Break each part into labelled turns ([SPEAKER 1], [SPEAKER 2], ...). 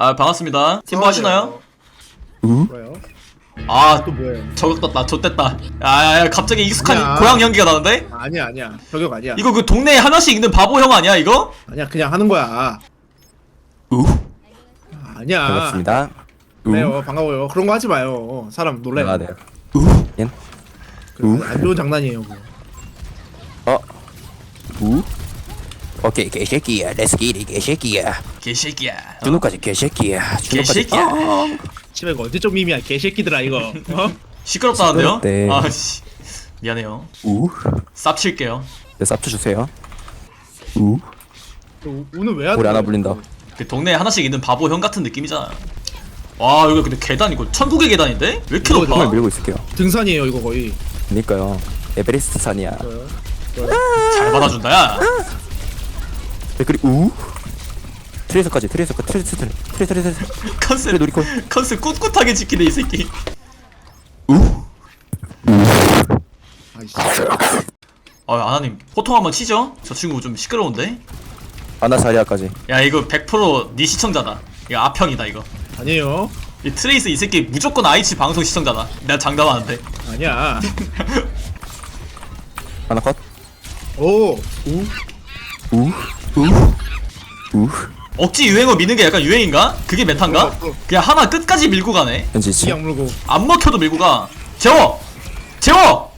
[SPEAKER 1] 아 반갑습니다. 팀 뭐 하시나요?
[SPEAKER 2] 뭐요?
[SPEAKER 1] 아
[SPEAKER 2] 또 뭐예요?
[SPEAKER 1] 저격 떴다. 좆됐다. 야 갑자기 익숙한
[SPEAKER 2] 아니야.
[SPEAKER 1] 고향 연기가 나는데?
[SPEAKER 2] 아니야 저격 아니야.
[SPEAKER 1] 이거 그 동네에 하나씩 있는 바보 형 아니야 이거?
[SPEAKER 2] 아니야 그냥 하는 거야. 아니야.
[SPEAKER 3] 반갑습니다.
[SPEAKER 2] 네요 반가워요. 그런 거 하지 마요. 사람 놀래요.
[SPEAKER 3] 아, 네. 옌?
[SPEAKER 2] 안 좋은 장난이에요. 그거.
[SPEAKER 3] 오케이, 개새끼야. Let's get it, 개새끼야.
[SPEAKER 1] 개새끼야.
[SPEAKER 3] 준호까지 개새끼야. 준호까지.
[SPEAKER 1] 개새끼야.
[SPEAKER 2] 씨발 이거 언제적 밈이야 개새끼들아 이거. 어?
[SPEAKER 1] 시끄럽다는데요?
[SPEAKER 3] 시끄럽대.
[SPEAKER 1] 아씨 미안해요. 쌉 칠게요.
[SPEAKER 3] 네, 쌉주 주세요.
[SPEAKER 2] 너 오늘 왜 하는
[SPEAKER 3] 우리 하나
[SPEAKER 2] 거야?
[SPEAKER 3] 불린다.
[SPEAKER 1] 그 동네에 하나씩 있는 바보 형 같은 느낌이잖아. 와 여기 근데 계단 이거 천국의 계단인데? 왜 이렇게
[SPEAKER 2] 이거
[SPEAKER 1] 높아?
[SPEAKER 3] 정말 밀고 있을게요.
[SPEAKER 2] 등산이에요 이거 거의.
[SPEAKER 3] 그니까요. 에베레스트 산이야.
[SPEAKER 1] 잘 받아준다 야.
[SPEAKER 3] 네, 그리고 트레이서까지. 트레이서.
[SPEAKER 1] 컨셉
[SPEAKER 3] 놀이콘.
[SPEAKER 1] 컨셉 꿋꿋하게 지키네 이 새끼.
[SPEAKER 2] 아이씨.
[SPEAKER 1] 아나님 호통 한번 치죠? 저 친구 좀 시끄러운데?
[SPEAKER 3] 아나 자리아까지.
[SPEAKER 1] 야 이거 100%네 시청자다. 이거 아평이다 이거.
[SPEAKER 2] 아니에요.
[SPEAKER 1] 이 트레이스 이 새끼 무조건 아이치 방송 시청자다. 내가 장담하는데.
[SPEAKER 2] 아니야.
[SPEAKER 3] 아나 컷.
[SPEAKER 2] 오.
[SPEAKER 1] 억지 유행어 미는 게 약간 유행인가? 그게 메타인가? 그냥 하나 끝까지 밀고 가네.
[SPEAKER 3] 현지치.
[SPEAKER 2] 이악 물고.
[SPEAKER 1] 안 먹혀도 밀고 가. 재워! 재워!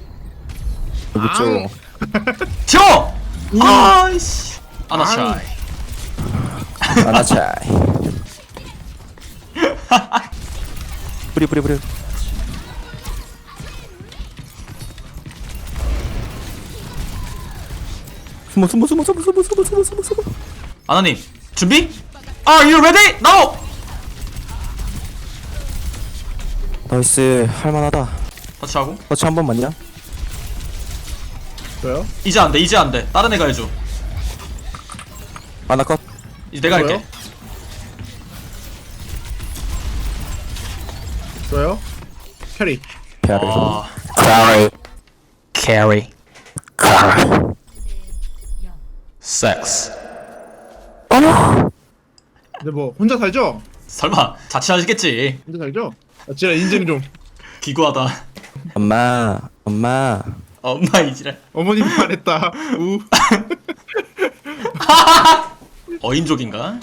[SPEAKER 3] 그렇죠.
[SPEAKER 1] 재워! 아이씨. 아나차이.
[SPEAKER 3] 아나 차이. 뿌리. 숨어.
[SPEAKER 1] 아나님 준비? Are you ready? Now!
[SPEAKER 3] 나이스. 할만하다.
[SPEAKER 1] 터치하고.
[SPEAKER 3] 터치 한 번만요.
[SPEAKER 2] 저요?
[SPEAKER 1] 이제 안 돼. 이제 안 돼. 다른 애가 해줘.
[SPEAKER 3] 아나 컷.
[SPEAKER 1] 이제 내가
[SPEAKER 2] 뭐요?
[SPEAKER 1] 할게.
[SPEAKER 2] 저요? 캐리.
[SPEAKER 3] 페아를.
[SPEAKER 1] 아.
[SPEAKER 3] 캐리.
[SPEAKER 1] 섹스.
[SPEAKER 2] 근데 뭐 혼자 살죠?
[SPEAKER 1] 설마 자취하시겠지.
[SPEAKER 2] 혼자 살죠? 아, 진짜 인증 좀.
[SPEAKER 1] 기구하다.
[SPEAKER 3] 엄마.
[SPEAKER 1] 엄마 이지랄.
[SPEAKER 2] 어머님이 말했다. 우.
[SPEAKER 1] 어인족인가?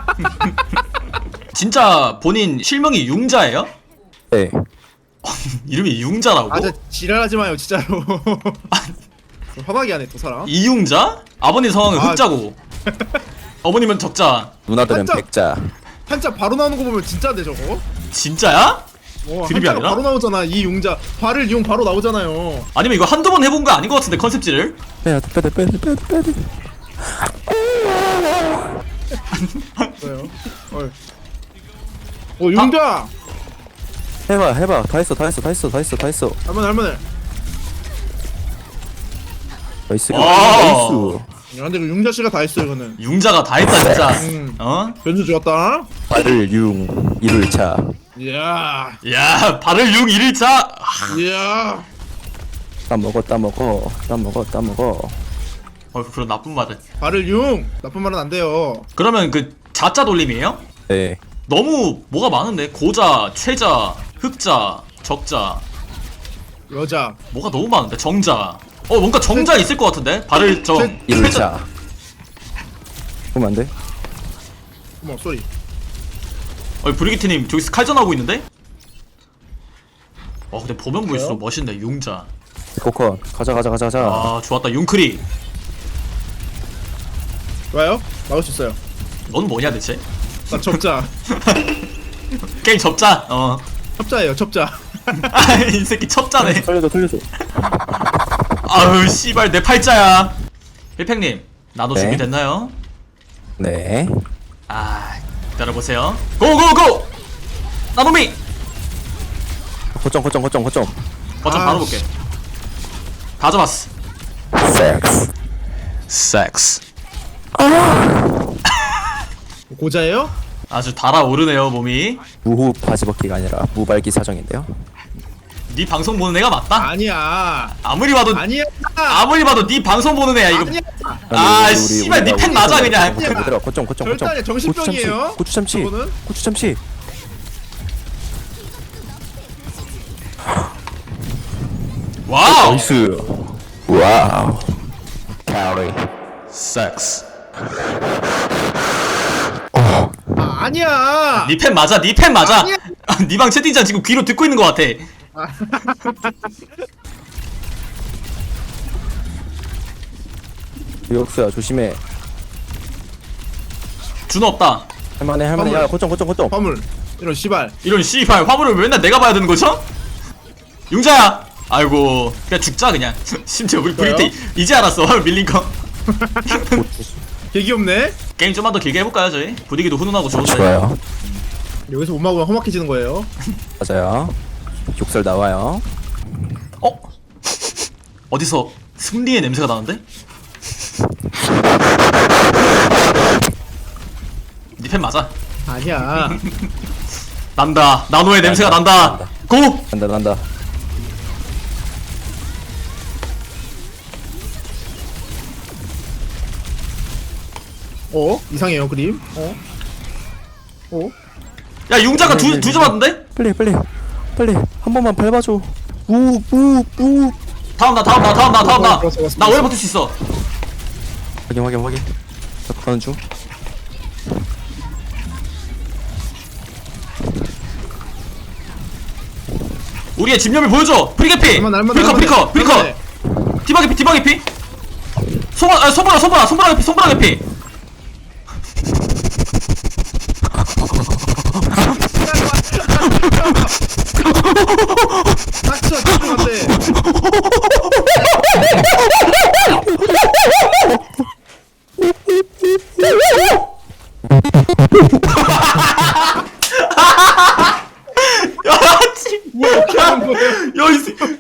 [SPEAKER 1] 진짜 본인 실명이 융자예요?
[SPEAKER 3] 네.
[SPEAKER 1] 이름이 융자라고?
[SPEAKER 2] 아, 진짜 지랄하지 마요, 진짜로. 화나게 하네, 또 사람.
[SPEAKER 1] 이융자? 아버님 성함은
[SPEAKER 2] 아.
[SPEAKER 1] 흑자고 어머님은 적자.
[SPEAKER 3] 누나들은
[SPEAKER 2] 한자.
[SPEAKER 3] 백자.
[SPEAKER 2] 한자 바로 나오는 거 보면 진짜인데, 저거? 드립이
[SPEAKER 1] 진짜야? 드립이 아니라?
[SPEAKER 2] 바로 나오잖아, 이 용자. 발을 이용 바로 나오잖아요.
[SPEAKER 1] 아니면 이거 한두 번 해본 거 아닌 것 같은데 컨셉지를?
[SPEAKER 3] 빼야 돼.
[SPEAKER 2] 뭐요? 용자!
[SPEAKER 3] 해봐. 다 했어.
[SPEAKER 2] 할만해.
[SPEAKER 3] 나이스.
[SPEAKER 1] 와.
[SPEAKER 2] 야, 근데 그 용자 씨가 다 했어, 이거는.
[SPEAKER 1] 융자가 다 했다 진짜. 어?
[SPEAKER 2] 변수 좋았다.
[SPEAKER 3] 발을 이를 차.
[SPEAKER 2] 이야.
[SPEAKER 1] 야 발을 융 1일차.
[SPEAKER 2] 이야.
[SPEAKER 3] 따 먹어.
[SPEAKER 1] 그런 나쁜 말을.
[SPEAKER 2] 발을 용! 나쁜 말은 안 돼요.
[SPEAKER 1] 그러면 그 자자 돌림이에요?
[SPEAKER 3] 네.
[SPEAKER 1] 너무 뭐가 많은데 고자, 최자, 흑자, 적자.
[SPEAKER 2] 여자.
[SPEAKER 1] 뭐가 너무 많은데 정자. 뭔가 정자 있을 것 같은데 발을 저
[SPEAKER 3] 이를
[SPEAKER 1] 최자.
[SPEAKER 3] 차. 그러면 안 돼?
[SPEAKER 2] 어머, 쏘리.
[SPEAKER 1] 브리기트님 저기서 칼전하고 있는데? 근데 보면 볼수록 멋있네 융자.
[SPEAKER 3] 코컨. 가자.
[SPEAKER 1] 아 좋았다 융크리.
[SPEAKER 2] 좋아요? 막을 수 있어요.
[SPEAKER 1] 넌 뭐냐 대체?
[SPEAKER 2] 나 접자.
[SPEAKER 1] 게임 접자.
[SPEAKER 2] 첩자예요, 첩자.
[SPEAKER 1] 이 새끼 첩자네.
[SPEAKER 3] 돌려줘.
[SPEAKER 1] 아유 씨발 내 팔자야. 필팽님 나도
[SPEAKER 3] 네.
[SPEAKER 1] 준비됐나요?
[SPEAKER 3] 네.
[SPEAKER 1] 기다려보세요. 고고고! 나노미!
[SPEAKER 3] 거점.
[SPEAKER 1] 거점
[SPEAKER 2] 아,
[SPEAKER 1] 바로 볼게. 다 잡았어. 섹스.
[SPEAKER 2] 고자예요?
[SPEAKER 1] 아주 달아오르네요 몸이.
[SPEAKER 3] 무호 바지 벗기가 아니라 무발기 사정인데요.
[SPEAKER 1] 네 방송 보는 애가 맞다?
[SPEAKER 2] 아니야.
[SPEAKER 1] 아무리 봐도
[SPEAKER 2] 아니야.
[SPEAKER 1] 아무리 봐도 네 방송 보는 애야 이거.
[SPEAKER 2] 아니야.
[SPEAKER 1] 아 씨발 니 팬 맞아 그냥.
[SPEAKER 3] 얘들아 거점 거점
[SPEAKER 2] 절대
[SPEAKER 3] 거점.
[SPEAKER 2] 아니야. 정신병이에요.
[SPEAKER 3] 고추 참치.
[SPEAKER 2] 저거는?
[SPEAKER 3] 고추 참치.
[SPEAKER 1] 와우.
[SPEAKER 3] 나이스. 와우. 캐리.
[SPEAKER 1] 섹스.
[SPEAKER 2] 아, 아니야.
[SPEAKER 1] 니 팬 맞아 니 팬 맞아.
[SPEAKER 2] 아니야.
[SPEAKER 1] 니 방 채팅창 지금 귀로 듣고 있는 것 같아.
[SPEAKER 3] 유역수야 조심해.
[SPEAKER 1] 준호 없다.
[SPEAKER 3] 할만해 할만해. 야 거점 거점 거점.
[SPEAKER 2] 화물. 이런 씨발.
[SPEAKER 1] 이런 씨발 화물을 맨날 내가 봐야 되는 거죠? 융자야. 아이고 그냥 죽자 그냥. 심지어 우리
[SPEAKER 2] 뭐요?
[SPEAKER 1] 브리트 이제 알았어 화물 밀린 거.
[SPEAKER 2] 개 귀엽네.
[SPEAKER 1] 게임 좀만 더 길게 해볼까요 저희? 분위기도 훈훈하고 좋은데.
[SPEAKER 3] 좋아요.
[SPEAKER 2] 여기서 못 막으면 험악해지는 거예요.
[SPEAKER 3] 맞아요. 욕설 나와요.
[SPEAKER 1] 어? 어디서 승리의 냄새가 나는데? 니 팬 맞아.
[SPEAKER 2] 아니야.
[SPEAKER 1] 난다. 나노의 냄새가 난다.
[SPEAKER 3] 난다.
[SPEAKER 1] 고!
[SPEAKER 3] 난다 난다.
[SPEAKER 2] 이상해요 그림.
[SPEAKER 1] 야 융자가 두 잡았는데?
[SPEAKER 3] 빨리 빨리 빨리 한 번만 밟아줘. 우우우.
[SPEAKER 1] 다음 나.
[SPEAKER 2] 왔어.
[SPEAKER 1] 나 오래 버틸 수 있어.
[SPEAKER 3] 확인. 저 가는 중.
[SPEAKER 1] 우리의 집념을 보여줘. 프리게피.
[SPEAKER 2] 날만
[SPEAKER 1] 프리커. 디바게피. 손보라 게피.
[SPEAKER 2] 닥쳐 집중한대.
[SPEAKER 1] 야, 씨.
[SPEAKER 2] 뭐야 이렇게 하는 거예요?
[SPEAKER 1] 야, 이 새끼.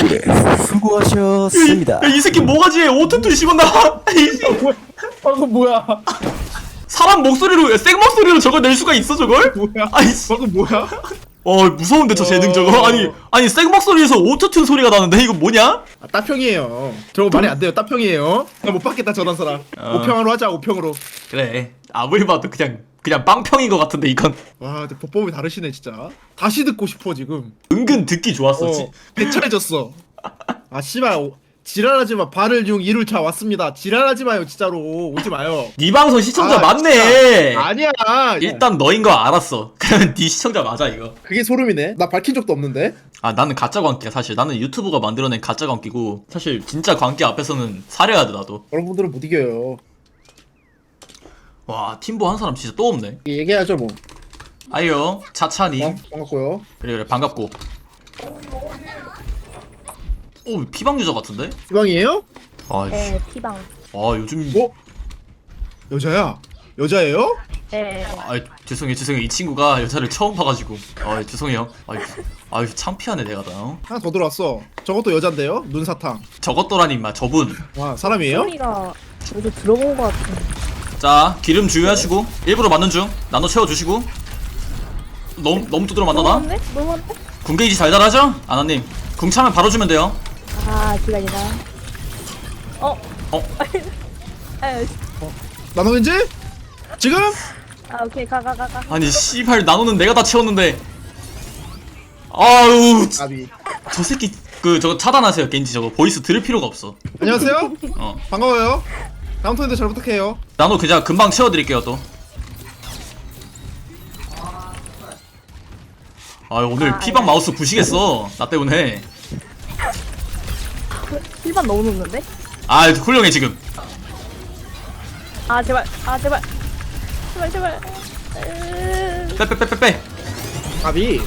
[SPEAKER 3] 수고하셨습니다.
[SPEAKER 1] 야, 이 새끼 뭐가지? 오토튠 씹었나?
[SPEAKER 2] 뭐야? 방금 뭐야?
[SPEAKER 1] 사람 목소리로, 생 목소리로 저걸 낼 수가 있어, 저걸?
[SPEAKER 2] 뭐야?
[SPEAKER 1] 아이씨.
[SPEAKER 2] 방금 뭐야?
[SPEAKER 1] 무서운데, 저 재능 저거? 아니, 생 목소리에서 오토튠 소리가 나는데, 이거 뭐냐?
[SPEAKER 2] 아, 따평이에요. 저거 말이 안 돼요. 따평이에요. 나 못 받겠다 저런 사람. 오평으로 하자. 오평으로.
[SPEAKER 1] 그래. 아무리 봐도 그냥 빵평인 것 같은데, 이건.
[SPEAKER 2] 와, 근데 보법이 다르시네 진짜. 다시 듣고 싶어 지금.
[SPEAKER 1] 은근 듣기 좋았어,
[SPEAKER 2] 배철해졌어. 아 씨발. 지랄하지 마. 발을 중 이룰 차 왔습니다. 지랄하지 마요 진짜로. 오지 마요.
[SPEAKER 1] 네 방송 시청자
[SPEAKER 2] 아,
[SPEAKER 1] 맞네.
[SPEAKER 2] 진짜. 아니야.
[SPEAKER 1] 일단 너인 거 알았어. 그러면 네 시청자 맞아 이거.
[SPEAKER 2] 그게 소름이네. 나 밝힌 적도 없는데.
[SPEAKER 1] 아 나는 가짜 광기야 사실. 나는 유튜브가 만들어낸 가짜 광기고 사실 진짜 광기 앞에서는 사려야 돼 나도.
[SPEAKER 2] 여러분들은 못 이겨요.
[SPEAKER 1] 와 팀보 한 사람 진짜 또 없네.
[SPEAKER 2] 얘기해야죠 뭐.
[SPEAKER 1] 아이요 차차님.
[SPEAKER 2] 반갑고요.
[SPEAKER 1] 그래 반갑고. 오 피방 유저 같은데?
[SPEAKER 2] 이방이에요?
[SPEAKER 1] 아이씨.
[SPEAKER 4] 네, 피방.
[SPEAKER 1] 요즘.
[SPEAKER 2] 어? 여자야? 여자예요?
[SPEAKER 4] 네.
[SPEAKER 1] 죄송해요 이 친구가 여자를 처음 봐가지고. 죄송해요. 아유 창피하네 내가 다.
[SPEAKER 2] 하나 더 들어왔어. 저것도 여잔데요? 눈사탕.
[SPEAKER 1] 저것도라니 임마 저분.
[SPEAKER 2] 와 사람이에요?
[SPEAKER 4] 소리가 어디서 들어본 것 같은.
[SPEAKER 1] 자 기름 주유하시고 일부러 맞는 중 나눠 채워주시고. 너무 두드러 맞나 나?
[SPEAKER 4] 너무한데?
[SPEAKER 1] 군게이지 잘 달하죠? 아나님 궁 차면 바로 주면 돼요.
[SPEAKER 4] 아, 기다리다. 아유,
[SPEAKER 2] 나노 왠지? 지금?
[SPEAKER 4] 오케이, 가.
[SPEAKER 1] 아니 씨발 나노는 내가 다 채웠는데. 아우
[SPEAKER 2] 아비.
[SPEAKER 1] 저 새끼 저거 차단하세요 겐지 저거 보이스 들을 필요가 없어.
[SPEAKER 2] 안녕하세요.
[SPEAKER 1] 어
[SPEAKER 2] 반가워요. 다음 턴에도 잘 부탁해요.
[SPEAKER 1] 나노 그냥 금방 채워드릴게요 또. 오늘 피방 마우스 부시겠어 나 때문에.
[SPEAKER 4] 힐반 너무 높는데?
[SPEAKER 1] 훌륭해 지금.
[SPEAKER 4] 제발.
[SPEAKER 1] 빼.
[SPEAKER 2] 아비.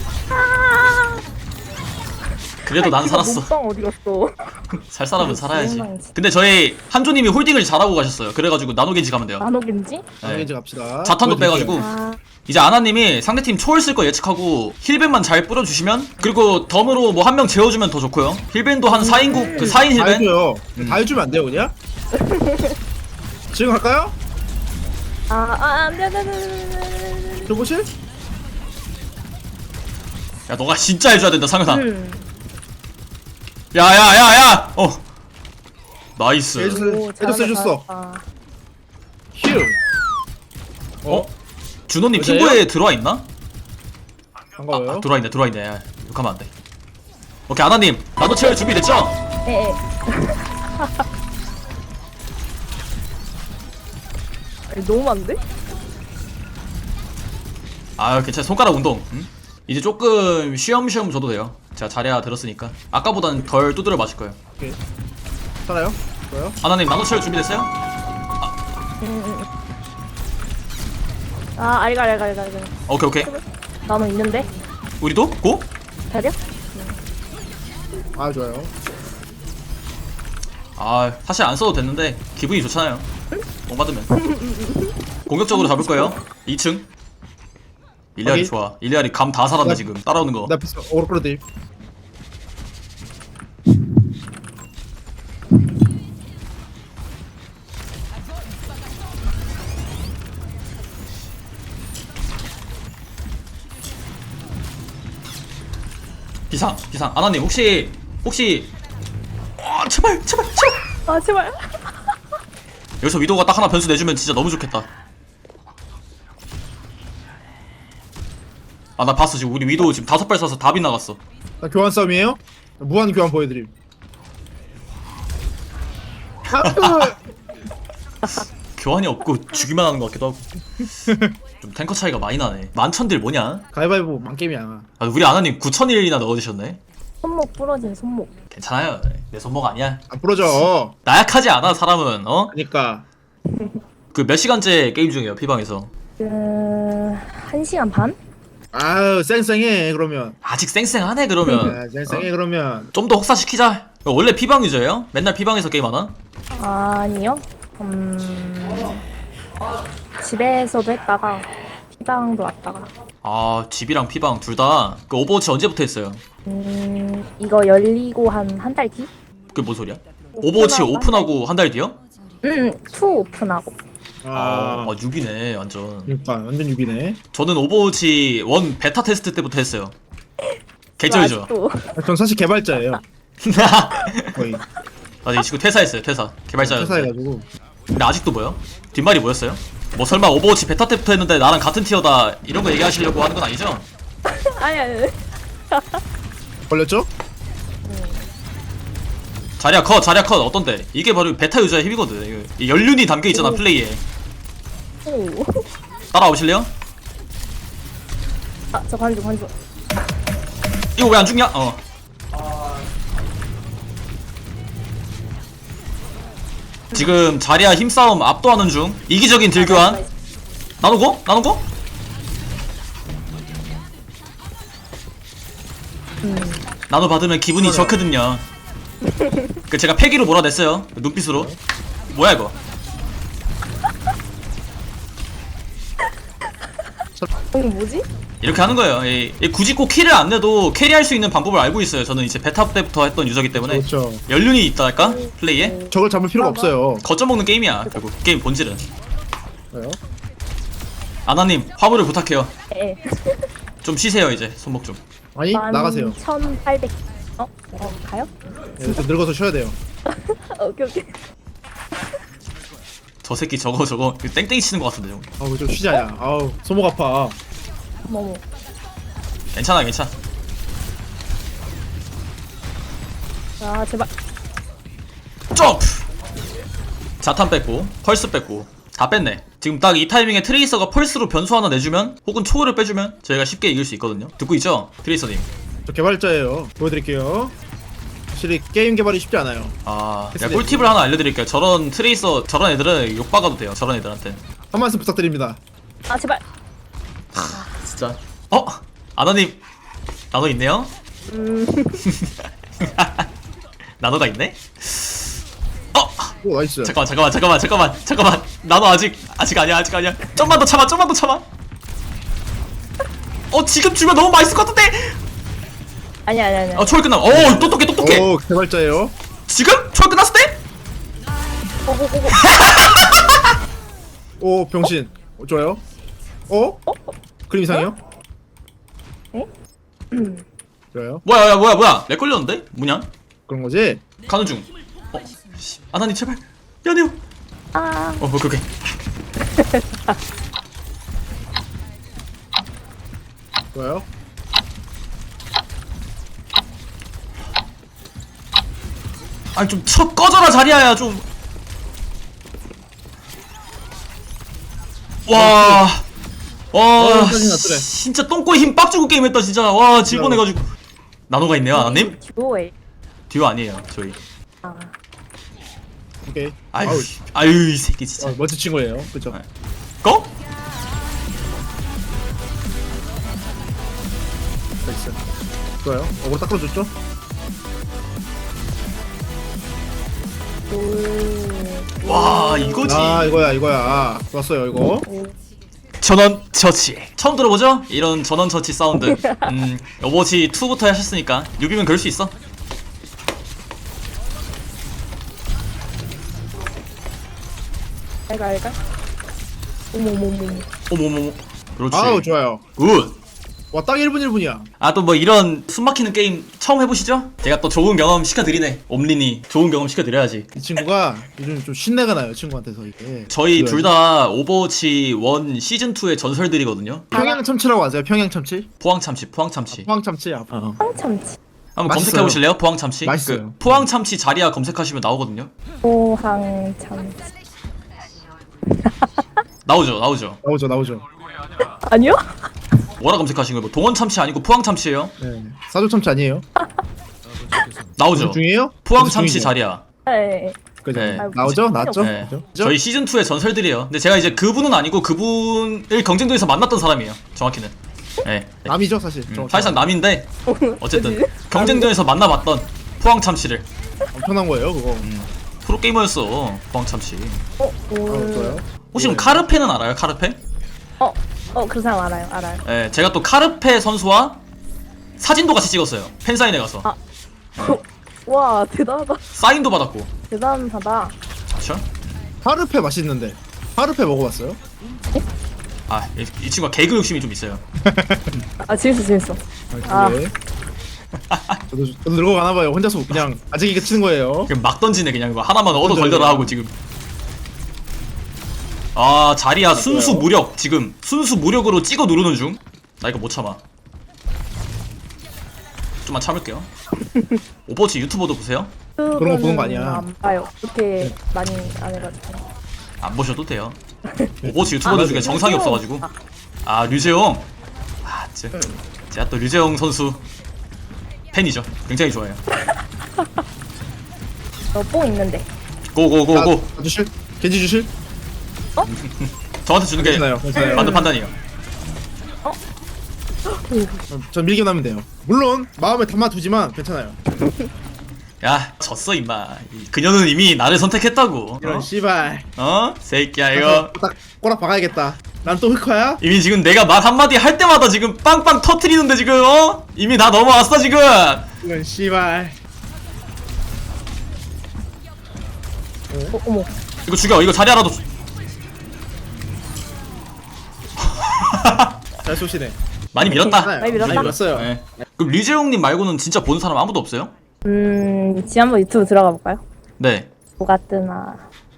[SPEAKER 1] 그래도 난 살았어.
[SPEAKER 4] 몸빵 어디 갔어?
[SPEAKER 1] 살 사람은 살아야지.
[SPEAKER 4] 민망해.
[SPEAKER 1] 근데 저희 한조님이 홀딩을 잘하고 가셨어요. 그래가지고 나노 겐지 가면 돼요.
[SPEAKER 4] 나노겐지?
[SPEAKER 1] 네.
[SPEAKER 2] 겐지 갑시다.
[SPEAKER 1] 자탄도 빼가지고. 이제 아나님이 상대팀 초월 쓸 거 예측하고 힐벤만 잘 뿌려주시면, 그리고 덤으로 뭐 한 명 재워주면 더 좋고요. 힐벤도 한 4인국 4인
[SPEAKER 2] 다
[SPEAKER 1] 힐벤.
[SPEAKER 2] 해줘요. 다 해주면 안 돼요 그냥? 지금 갈까요?
[SPEAKER 4] 안 돼.
[SPEAKER 2] 들어보실?
[SPEAKER 1] 야 너가 진짜 해줘야 된다 상현아. 야야야야. 나이스.
[SPEAKER 2] 해줬어. 휴.
[SPEAKER 1] 준호님
[SPEAKER 2] 여자예요?
[SPEAKER 1] 팀부에 들어와 있나?
[SPEAKER 2] 반가워요.
[SPEAKER 1] 들어와 있네. 야, 욕하면 안 돼. 오케이 아나님 나도 채울 준비 됐죠?
[SPEAKER 4] 예. 너무 많은데?
[SPEAKER 1] 아 괜찮아 손가락 운동. 응? 이제 조금 쉬엄쉬엄 줘도 돼요. 제가 자리야 들었으니까 아까보단 덜 두드려 맞을 거예요.
[SPEAKER 2] 오케이. 살아요? 좋아요.
[SPEAKER 1] 아나님 나도 채울 준비 됐어요?
[SPEAKER 4] 아, 알갈.
[SPEAKER 1] 오케이.
[SPEAKER 4] 나는 있는데?
[SPEAKER 1] 우리도 고?
[SPEAKER 4] 자리야?
[SPEAKER 2] 아 좋아요.
[SPEAKER 1] 아 사실 안 써도 됐는데 기분이 좋잖아요. 공 받으면. 공격적으로 잡을 거예요. 2층. 일리아리
[SPEAKER 2] 오케이.
[SPEAKER 1] 좋아. 일리아리 감 다 살았네 지금. 따라오는 거.
[SPEAKER 2] 나 비스 오르크로드.
[SPEAKER 1] 비상. 아나님 혹시 제발.
[SPEAKER 4] 아, 제발.
[SPEAKER 1] 여기서 위도가 딱 하나 변수 내주면 진짜 너무 좋겠다. 아 나 봤어 지금 우리 위도 지금 5발 쏴서 다 빗나갔어.
[SPEAKER 2] 나 교환 싸움이에요? 무한 교환 보여드림.
[SPEAKER 1] 교환이 없고 주기만 하는 것 같기도 하고. 좀 탱커 차이가 많이 나네. 만천딜 뭐냐?
[SPEAKER 2] 가위바위보 망게임이야.
[SPEAKER 1] 아, 우리 아나님 9,001이나 넣어주셨네.
[SPEAKER 4] 손목 부러진 손목.
[SPEAKER 1] 괜찮아요. 내 손목 아니야.
[SPEAKER 2] 안 부러져.
[SPEAKER 1] 나약하지 않아 사람은.
[SPEAKER 2] 그러니까
[SPEAKER 1] 그 몇 시간째 게임 중이에요 피방에서.
[SPEAKER 4] 1시간 반?
[SPEAKER 2] 아유 쌩쌩해 그러면.
[SPEAKER 1] 아직 쌩쌩하네 그러면.
[SPEAKER 2] 아, 쌩쌩해 그러면.
[SPEAKER 1] 좀 더 혹사시키자. 원래 피방 유저예요? 맨날 피방에서 게임하나?
[SPEAKER 4] 아니요. 집에서도 했다가 피방도 왔다가.
[SPEAKER 1] 아 집이랑 피방 둘 다. 그 오버워치 언제부터 했어요?
[SPEAKER 4] 이거 열리고 한 달 뒤?
[SPEAKER 1] 그게 뭔 소리야? 오버워치
[SPEAKER 4] 오픈하고
[SPEAKER 1] 오픈하고 한 달 뒤요?
[SPEAKER 4] 투 오픈하고.
[SPEAKER 2] 아,
[SPEAKER 1] 유비네 완전.
[SPEAKER 2] 그러니까 완전 유비네.
[SPEAKER 1] 저는 오버워치 1 베타 테스트 때부터 했어요. 개쩔죠?
[SPEAKER 4] 아직도.
[SPEAKER 2] 전 사실 개발자예요. 거의
[SPEAKER 1] 맞아 이 친구 퇴사했어요 퇴사. 개발자였는데.
[SPEAKER 2] 회사해가지고.
[SPEAKER 1] 근데 아직도 뭐요? 뒷말이 뭐였어요? 뭐 설마 오버워치 베타 때부터 했는데 나랑 같은 티어다 이런 거 얘기하시려고 하는 건 아니죠?
[SPEAKER 4] 아니.
[SPEAKER 2] 걸렸죠?
[SPEAKER 1] 자리야 컷 어떤데? 이게 바로 베타 유저의 힘이거든. 이거 이 연륜이 담겨있잖아 플레이에.
[SPEAKER 4] 오.
[SPEAKER 1] 따라오실래요?
[SPEAKER 4] 아, 저 관중.
[SPEAKER 1] 이거 왜 안 죽냐? 지금 자리야 힘싸움 압도하는 중. 이기적인 딜교환. 나누고? 나눠 받으면 기분이 좋거든요. 그 제가 패기로 몰아냈어요. 눈빛으로. 뭐야 이거?
[SPEAKER 4] 뭐지?
[SPEAKER 1] 이렇게 하는 거예요. 굳이 꼭 킬을 안 내도 캐리할 수 있는 방법을 알고 있어요. 저는 이제 베타 때부터 했던 유저기 때문에
[SPEAKER 2] 그렇죠.
[SPEAKER 1] 연륜이 있달까? 플레이에?
[SPEAKER 2] 저걸 잡을 필요가 없어요.
[SPEAKER 1] 거점 먹는 게임이야. 결국 게임 본질은.
[SPEAKER 2] 왜요?
[SPEAKER 1] 아나님 화물을 부탁해요.
[SPEAKER 4] 예.
[SPEAKER 1] 좀 쉬세요 이제 손목 좀.
[SPEAKER 2] 아니 나가세요.
[SPEAKER 4] 1,800. 가요?
[SPEAKER 2] 네, 좀 늙어서 쉬어야 돼요.
[SPEAKER 4] 오케이.
[SPEAKER 1] 저 새끼 저거 땡땡이 치는 것 같은데. 저거.
[SPEAKER 2] 아우 좀 쉬자야. 아우 손목 아파.
[SPEAKER 4] 어머.
[SPEAKER 1] 괜찮아.
[SPEAKER 4] 아, 제발.
[SPEAKER 1] 점프! 자탄 뺐고 펄스 뺐고 다 뺐네. 지금 딱 이 타이밍에 트레이서가 펄스로 변수 하나 내주면 혹은 초월을 빼주면 저희가 쉽게 이길 수 있거든요. 듣고 있죠? 트레이서님.
[SPEAKER 2] 저 개발자예요. 보여드릴게요. 확실히 게임 개발이 쉽지 않아요.
[SPEAKER 1] 제가 꿀팁을 하나 알려드릴게요. 저런 트레이서 저런 애들은 욕박아도 돼요. 저런 애들한테.
[SPEAKER 2] 한 말씀 부탁드립니다.
[SPEAKER 4] 아, 제발.
[SPEAKER 1] 진짜. 아나님 나노 있네요? 나노가 있네?
[SPEAKER 2] 오 나이스.
[SPEAKER 1] 잠깐만. 나노 아직 아니야. 좀만 더 참아. 지금 주면 너무 맛있을 것 같은데?
[SPEAKER 4] 아니야.
[SPEAKER 1] 초월 끝나. 똑똑해.
[SPEAKER 2] 오 개발자예요.
[SPEAKER 1] 지금? 초월 끝났을 때?
[SPEAKER 4] 고고고고.
[SPEAKER 2] 오 병신. 좋아요. 그림 이상해요?
[SPEAKER 4] 에?
[SPEAKER 2] 좋아요.
[SPEAKER 1] 뭐야 렉 걸렸는데? 뭐냐?
[SPEAKER 2] 그런 거지?
[SPEAKER 1] 가는 중. 씨, 아나님 제발 미안해요.
[SPEAKER 4] 아,
[SPEAKER 1] 그렇게.
[SPEAKER 2] 좋아요.
[SPEAKER 1] 아니 좀 꺼져라 자리야야 좀. 와. 와,
[SPEAKER 2] 짜증나, 그래.
[SPEAKER 1] 진짜 똥꼬에 힘 빡 주고 게임했다 진짜. 와, 질뻔해가지고. 나노가 있네요, 아나님?
[SPEAKER 4] 듀오에.
[SPEAKER 1] 듀오 아니에요, 저희.
[SPEAKER 4] 아,
[SPEAKER 2] 오케이.
[SPEAKER 1] 아유,
[SPEAKER 2] 아우,
[SPEAKER 1] 아유 이 새끼 진짜.
[SPEAKER 2] 멋진 친구예요. 그죠?
[SPEAKER 1] 네. 고?
[SPEAKER 2] 나이스. 좋아요. 어그로 딱 끌어줬죠?
[SPEAKER 4] 오.
[SPEAKER 1] 와, 이거지.
[SPEAKER 2] 아, 이거야. 좋았어요, 이거.
[SPEAKER 1] 전원 처치. 처음 들어보죠? 이런 전원 처치 사운드. 오버워치 2부터 하셨으니까 6이면 그럴 수 있어.
[SPEAKER 4] 알가. 어머머머.
[SPEAKER 1] 어머머머. 그렇지.
[SPEAKER 2] 아우, 좋아요.
[SPEAKER 1] 굿.
[SPEAKER 2] 와, 딱 1분 1분이야.
[SPEAKER 1] 아, 또 뭐 이런 숨막히는 게임 처음 해보시죠? 제가 또 좋은 경험 시켜드리네. 옴린이 좋은 경험 시켜드려야지.
[SPEAKER 2] 이 친구가 요즘 좀 신내가 나요, 친구한테서 이게.
[SPEAKER 1] 저희 둘 다 오버워치 1 시즌2의 전설들이거든요.
[SPEAKER 2] 평양 참치라고 아세요? 평양 참치?
[SPEAKER 1] 포항참치, 포항참치.
[SPEAKER 2] 포항 참치야.
[SPEAKER 4] 황참치.
[SPEAKER 1] 한번
[SPEAKER 2] 맛있어요.
[SPEAKER 1] 검색해보실래요? 포항참치?
[SPEAKER 2] 맛있어요.
[SPEAKER 1] 그 포항참치 자리야 검색하시면 나오거든요.
[SPEAKER 4] 포항참치.
[SPEAKER 1] 나오죠.
[SPEAKER 2] 나오죠.
[SPEAKER 4] 아니요?
[SPEAKER 1] 뭐라 검색하신 거예요? 뭐 동원참치 아니고 포항참치예요?
[SPEAKER 2] 네. 사조 참치 아니에요?
[SPEAKER 1] 나오죠.
[SPEAKER 2] 중이에요?
[SPEAKER 1] 포항참치
[SPEAKER 2] 중이죠.
[SPEAKER 1] 자리야.
[SPEAKER 4] 네.
[SPEAKER 2] 그죠?
[SPEAKER 1] 네.
[SPEAKER 2] 나오죠? 나왔죠?
[SPEAKER 1] 네.
[SPEAKER 2] 그죠?
[SPEAKER 1] 저희 시즌2의 전설들이에요. 근데 제가 이제 그분은 아니고 그분을 경쟁도에서 만났던 사람이에요. 정확히는. 네.
[SPEAKER 2] 남이죠, 사실.
[SPEAKER 1] 사실상 남인데 어쨌든
[SPEAKER 4] 그치?
[SPEAKER 1] 경쟁전에서 만나봤던 포항참치를.
[SPEAKER 2] 엄청난 거예요, 그거.
[SPEAKER 1] 프로게이머였어 포항참치.
[SPEAKER 2] 좋아요.
[SPEAKER 1] 혹시 그럼 카르페는 알아요? 카르페?
[SPEAKER 4] 그 사람 알아요.
[SPEAKER 1] 네, 제가 또 카르페 선수와 사진도 같이 찍었어요. 팬사인회 가서.
[SPEAKER 4] 아. 와, 대단하다.
[SPEAKER 1] 사인도 받았고.
[SPEAKER 4] 대단하다.
[SPEAKER 1] 그쵸?
[SPEAKER 2] 파르페 맛있는데. 파르페 먹어봤어요?
[SPEAKER 1] 아, 이 친구가 개그 욕심이 좀 있어요.
[SPEAKER 4] 아, 재밌어.
[SPEAKER 2] 아, 그래? 저도 늙어가나봐요. 혼자서 그냥 아직이게 치는 거예요.
[SPEAKER 1] 그냥 막 던지네 그냥 이거 하나만 얻어 걸려라 하고 지금. 아, 자리야 순수 무력 지금 순수 무력으로 찍어 누르는 중. 나 이거 못 참아. 좀만 참을게요. 오버워치 유튜버도 보세요.
[SPEAKER 2] 그런 거 보는 거 아니야.
[SPEAKER 4] 안 봐요. 그렇게 많이 안 해가지고.
[SPEAKER 1] 안 보셔도 돼요. 오버워치 유튜버들 중에 정상이
[SPEAKER 4] 류재용.
[SPEAKER 1] 없어가지고. 아, 류재용. 아, 제가 또 류재용 선수 팬이죠. 굉장히 좋아해요.
[SPEAKER 4] 뽕 있는데.
[SPEAKER 1] 고고고고.
[SPEAKER 2] 주실? 겐지 주실?
[SPEAKER 1] 저한테 주는 게
[SPEAKER 2] 괜찮아요.
[SPEAKER 1] 맞는 판단이에요.
[SPEAKER 2] 전 밀게 나면 돼요. 물론 마음에 담아두지만 괜찮아요.
[SPEAKER 1] 야, 졌어 임마. 그녀는 이미 나를 선택했다고.
[SPEAKER 2] 이런 씨발.
[SPEAKER 1] 새끼야 이거.
[SPEAKER 2] 딱 꼬락 박아야겠다. 난 또 흑화야?
[SPEAKER 1] 이미 지금 내가 말 한마디 할 때마다 지금 빵빵 터트리는데 지금 이미 다 넘어왔어 지금.
[SPEAKER 2] 이런 씨발.
[SPEAKER 4] 어머.
[SPEAKER 1] 이거 죽여. 이거 자리하라도.
[SPEAKER 2] 잘 쏘시네.
[SPEAKER 1] 많이 밀었다.
[SPEAKER 4] 많이 밀었다?
[SPEAKER 2] 많이 밀었어요.
[SPEAKER 1] 네. 그럼 류재용님 말고는 진짜 본 사람 아무도 없어요?
[SPEAKER 4] 한번 유튜브 들어가 볼까요?
[SPEAKER 1] 네.
[SPEAKER 4] 뭐가 뜨나.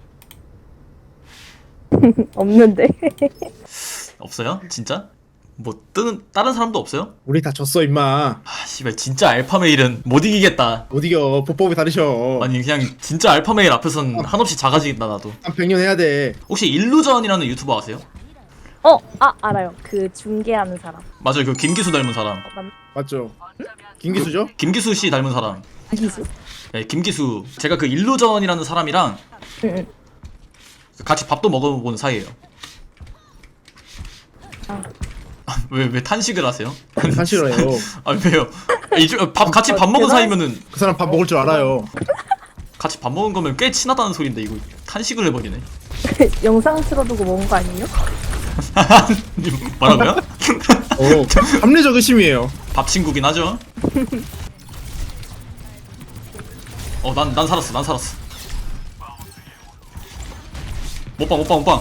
[SPEAKER 4] 없는데.
[SPEAKER 1] 없어요? 진짜? 뭐 뜨는 다른 사람도 없어요?
[SPEAKER 2] 우리 다 졌어 임마.
[SPEAKER 1] 아 씨발 진짜 알파메일은 못 이기겠다.
[SPEAKER 2] 못 이겨. 보법이 다르셔.
[SPEAKER 1] 아니 그냥 진짜 알파메일 앞에선 한없이 작아지겠다 나도.
[SPEAKER 2] 한 100년 해야 돼.
[SPEAKER 1] 혹시 일루전이라는 유튜버 아세요?
[SPEAKER 4] 알아요. 그 중계하는 사람.
[SPEAKER 1] 맞아요. 그 김기수 닮은 사람.
[SPEAKER 2] 맞죠? 김기수죠?
[SPEAKER 1] 김기수 씨 닮은 사람.
[SPEAKER 4] 기수.
[SPEAKER 1] 네, 김기수. 제가 그 일루전이라는 사람이랑
[SPEAKER 4] 응.
[SPEAKER 1] 같이 밥도 먹어본 사이예요. 왜 탄식을 하세요?
[SPEAKER 2] 사실어요.
[SPEAKER 1] 아 왜요? 같이 밥 먹은 사이면은
[SPEAKER 2] 그 사람 밥 먹을 줄 알아요.
[SPEAKER 1] 같이 밥 먹은 거면 꽤 친하다는 소린데 이거 탄식을 해버리네.
[SPEAKER 4] 영상 틀어두고 먹은 거 아니에요?
[SPEAKER 1] 뭐라고요?
[SPEAKER 2] 합리적 의심이에요.
[SPEAKER 1] 밥 친구긴 하죠. 난 살았어. 못방.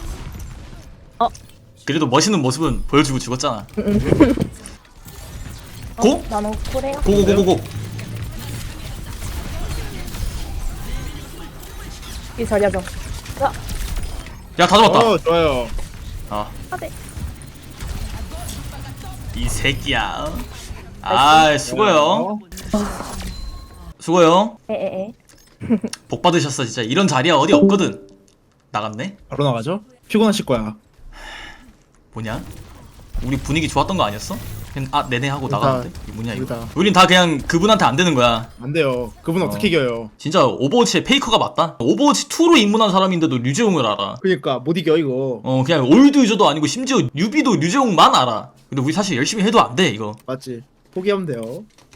[SPEAKER 1] 그래도 멋있는 모습은 보여주고 죽었잖아. 고?
[SPEAKER 4] 나는 코레아.
[SPEAKER 1] 고고고고고.
[SPEAKER 4] 이 자리하죠.
[SPEAKER 1] 야, 다 잡았다.
[SPEAKER 2] 좋아요.
[SPEAKER 1] 아,
[SPEAKER 4] 하대.
[SPEAKER 1] 이 새끼야. 아, 수고요. 수고요.
[SPEAKER 4] 에에에.
[SPEAKER 1] 복 받으셨어, 진짜. 이런 자리야 어디 없거든. 나갔네?
[SPEAKER 2] 바로 나가죠? 피곤하실 거야.
[SPEAKER 1] 뭐냐? 우리 분위기 좋았던 거 아니었어? 그냥 네네 하고
[SPEAKER 2] 우리
[SPEAKER 1] 나가는데?
[SPEAKER 2] 다-
[SPEAKER 1] 이게 뭐냐
[SPEAKER 2] 우리
[SPEAKER 1] 이거?
[SPEAKER 2] 다.
[SPEAKER 1] 우린 다 그냥 그분한테 안 되는 거야.
[SPEAKER 2] 안 돼요. 그분 어떻게 이겨요?
[SPEAKER 1] 진짜 오버워치의 페이커가 맞다? 오버워치 2로 입문한 사람인데도 류재홍을 알아.
[SPEAKER 2] 그니까 못 이겨 이거.
[SPEAKER 1] 그냥 올드 유저도 아니고 심지어 뉴비도 류재홍만 알아. 근데 우리 사실 열심히 해도 안 돼 이거.
[SPEAKER 2] 맞지? 포기하면 돼요.